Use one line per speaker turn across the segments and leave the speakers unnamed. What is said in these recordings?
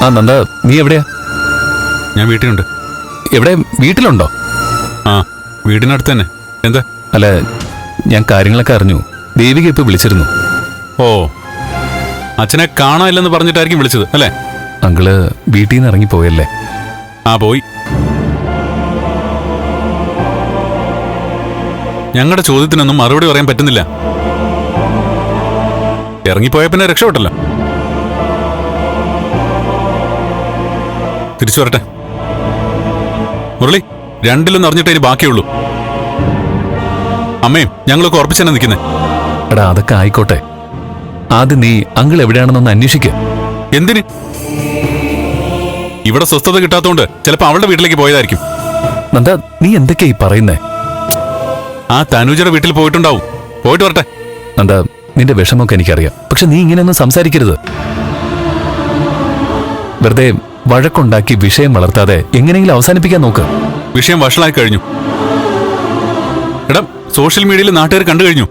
ആ നന്ദ, നീ എവിടെയാ?
ഞാൻ വീട്ടിലുണ്ട്.
എവിടെ? വീട്ടിലുണ്ടോ?
ആ, വീടിനടുത്ത് തന്നെ. എന്താ?
അല്ല, ഞാൻ കാര്യങ്ങളൊക്കെ അറിഞ്ഞു. ദേവിക ഇപ്പൊ വിളിച്ചിരുന്നു.
ഓ, അച്ഛനെ കാണാനില്ലെന്ന് പറഞ്ഞിട്ടായിരിക്കും വിളിച്ചത് അല്ലേ?
അങ്കിള് വീട്ടിൽ നിന്ന് ഇറങ്ങിപ്പോയല്ലേ?
ആ, പോയി. ഞങ്ങളുടെ ചോദ്യത്തിനൊന്നും മറുപടി പറയാൻ പറ്റുന്നില്ല. ഇറങ്ങിപ്പോയ പിന്നെ രക്ഷപ്പെട്ടല്ലോ. തിരിച്ചു വരട്ടെ. മുരളി, രണ്ടിലൊന്നും അറിഞ്ഞിട്ടേ ഇനി ബാക്കിയുള്ളൂ. അമ്മയും ഞങ്ങളൊക്കെ ഉറപ്പിച്ചെന്നെ നിൽക്കുന്നേ.
എടാ, അതൊക്കെ ആയിക്കോട്ടെ. ആദ്യം നീ അങ്കിൾ എവിടെയാണെന്നൊന്ന് അന്വേഷിക്കുക.
എന്തിന്? ഇവിടെ സ്വസ്ഥത കിട്ടാത്തോണ്ട് ചിലപ്പോ അവളുടെ വീട്ടിലേക്ക് പോയതായിരിക്കും.
നന്ദ, നീ എന്തൊക്കെയാ ഈ പറയുന്നേ?
ആ തനുജയുടെ വീട്ടിൽ പോയിട്ടുണ്ടാവും. പോയിട്ട് വരട്ടെ.
നന്ദ, നിന്റെ വിഷമമൊക്കെ എനിക്കറിയാം. പക്ഷെ നീ ഇങ്ങനെയൊന്നും സംസാരിക്കരുത്. വെറുതെ വഴക്കുണ്ടാക്കി വിഷയം വളർത്താതെ എങ്ങനെയെങ്കിലും അവസാനിപ്പിക്കാൻ നോക്ക്.
വിഷയം വഷളായി കഴിഞ്ഞു. എടാ, സോഷ്യൽ മീഡിയയിൽ നാട്ടുകാർ കണ്ടു കഴിഞ്ഞു.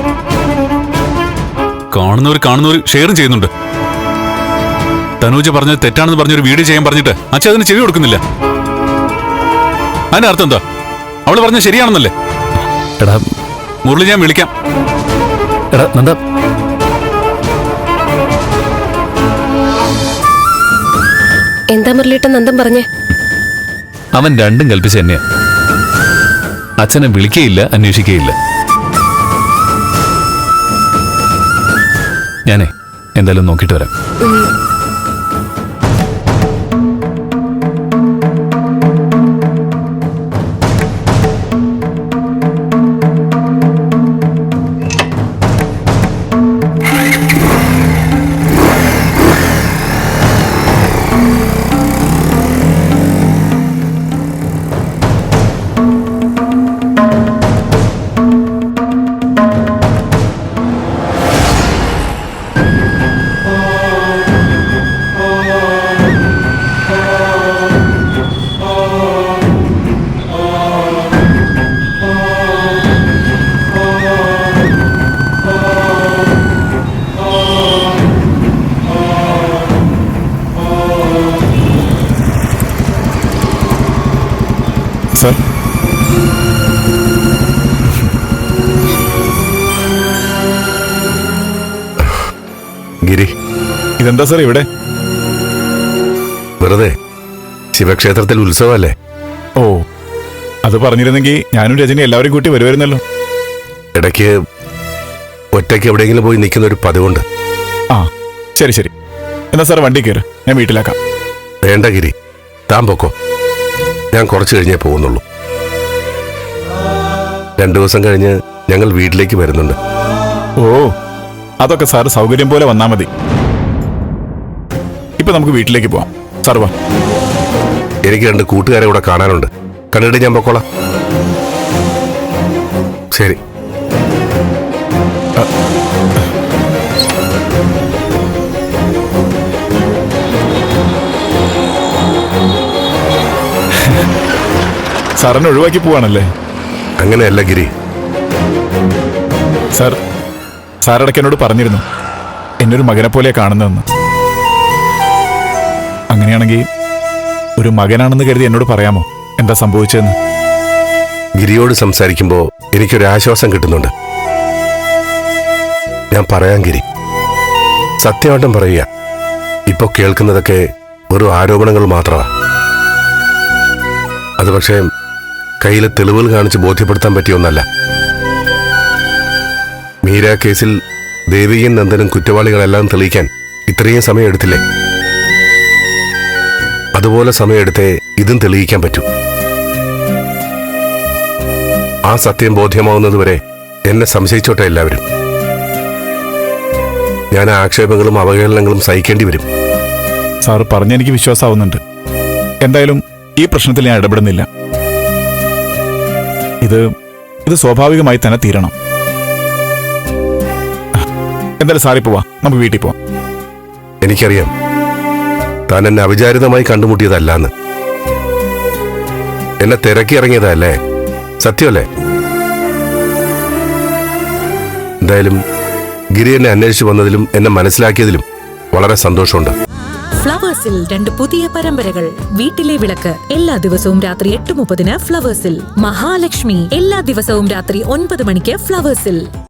കാണുന്നവർ ഷെയറും ചെയ്യുന്നുണ്ട്. തനൂജ പറഞ്ഞത് തെറ്റാണെന്ന് പറഞ്ഞൊരു വീഡിയോ ചെയ്യാൻ പറഞ്ഞിട്ട് അച്ഛൻ അതിന് ചെവി കൊടുക്കുന്നില്ല. അതിന്റെ അർത്ഥം എന്താ? അവള് പറഞ്ഞത് ശരിയാണെന്നല്ലേ?
എടാ
മുരളി, ഞാൻ വിളിക്കാം.
എടാ നന്ദ,
എന്താ മുരളിയേട്ടൻ നന്ദൻ പറഞ്ഞേ?
അവൻ രണ്ടും കൽപ്പിച്ച് തന്നെയാ. അച്ഛനെ വിളിക്കുകയില്ല, അന്വേഷിക്കുകയില്ല. ഞാനേ എന്തായാലും നോക്കിയിട്ട് വരാം.
സർ,
ഗിരി,
ഇതെന്താ സർ ഇവിടെ?
വെറുതെ ശിവക്ഷേത്രത്തിൽ ഉത്സവമല്ലേ?
ഓ, അത് പറഞ്ഞിരുന്നെങ്കിൽ ഞാനും രജനി എല്ലാവരും കൂട്ടി വരുമായിരുന്നല്ലോ.
ഇടയ്ക്ക് ഒറ്റയ്ക്ക് എവിടെയെങ്കിലും പോയി നിൽക്കുന്ന ഒരു പതിവുണ്ട്.
ആ, ശരി ശരി. എന്നാ സാർ വണ്ടി കയറ്, ഞാൻ വീട്ടിലാക്കാം.
വേണ്ട ഗിരി, താൻ പൊക്കോ. ഞാൻ കുറച്ച് കഴിഞ്ഞേ പോകുന്നുള്ളൂ. 2 ദിവസം കഴിഞ്ഞ് ഞങ്ങൾ വീട്ടിലേക്ക് വരുന്നുണ്ട്.
ഓ, അതൊക്കെ സാർ സൗകര്യം പോലെ വന്നാ മതി. ഇപ്പൊ നമുക്ക് വീട്ടിലേക്ക് പോവാം. സാർ വാ.
എനിക്ക് 2 കൂട്ടുകാരെ കൂടെ കാണാനുണ്ട്. കണ്ടിട്ട് ഞാൻ പൊക്കോളാം. ശരി.
സാറിനെ ഒഴിവാക്കി പോവാണല്ലേ?
അങ്ങനെയല്ല ഗിരി.
സാറിടയ്ക്ക് എന്നോട് പറഞ്ഞിരുന്നു എന്നൊരു മകനെ പോലെ കാണുന്നതെന്ന്. അങ്ങനെയാണെങ്കിൽ ഒരു മകനാണെന്ന് കരുതി എന്നോട് പറയാമോ എന്താ സംഭവിച്ചതെന്ന്?
ഗിരിയോട് സംസാരിക്കുമ്പോൾ എനിക്കൊരു ആശ്വാസം കിട്ടുന്നുണ്ട്. ഞാൻ പറയാം ഗിരി, സത്യമായിട്ടും പറയുക. ഇപ്പൊ കേൾക്കുന്നതൊക്കെ വെറും ആരോപണങ്ങൾ മാത്രമാണ്. അത് പക്ഷേ കയ്യിലെ തെളിവുകൾ കാണിച്ച് ബോധ്യപ്പെടുത്താൻ പറ്റിയ ഒന്നല്ല. മീര കേസിൽ ദേവിയും നന്ദനും കുറ്റവാളികളെല്ലാം തെളിയിക്കാൻ ഇത്രയും സമയം എടുത്തില്ലേ? അതുപോലെ സമയമെടുത്തേ ഇതും തെളിയിക്കാൻ പറ്റൂ. ആ സത്യം ബോധ്യമാവുന്നതുവരെ എന്നെ സംശയിച്ചോട്ടെ എല്ലാവരും. ഞാൻ ആക്ഷേപങ്ങളും അവഹേളനങ്ങളും സഹിക്കേണ്ടി വരും.
സാറ് പറഞ്ഞെനിക്ക് വിശ്വാസമാവുന്നുണ്ട്. എന്തായാലും ഈ പ്രശ്നത്തിൽ ഞാൻ ഇടപെടുന്നില്ല. ഇത് സ്വാഭാവികമായി തന്നെ തീരണം. എന്തായാലും സാറി പോവാ, നമുക്ക് വീട്ടിൽ പോവാം.
എനിക്കറിയാം താൻ എന്നെ അവിചാരിതമായി കണ്ടുമുട്ടിയതല്ലാന്ന്. എന്നെ തിരക്കി ഇറങ്ങിയതല്ലേ? സത്യമല്ലേ? എന്തായാലും ഗിരി എന്നെ അന്വേഷിച്ചു വന്നതിലും എന്നെ മനസ്സിലാക്കിയതിലും വളരെ സന്തോഷമുണ്ട്.
ഫ്ലവേഴ്സിൽ 2 പുതിയ പരമ്പരകൾ. വീട്ടിലെ വിളക്ക് എല്ലാ ദിവസവും രാത്രി 8:30 ഫ്ലവേഴ്സിൽ. മഹാലക്ഷ്മി എല്ലാ ദിവസവും രാത്രി 9 മണിക്ക് ഫ്ലവേഴ്സിൽ.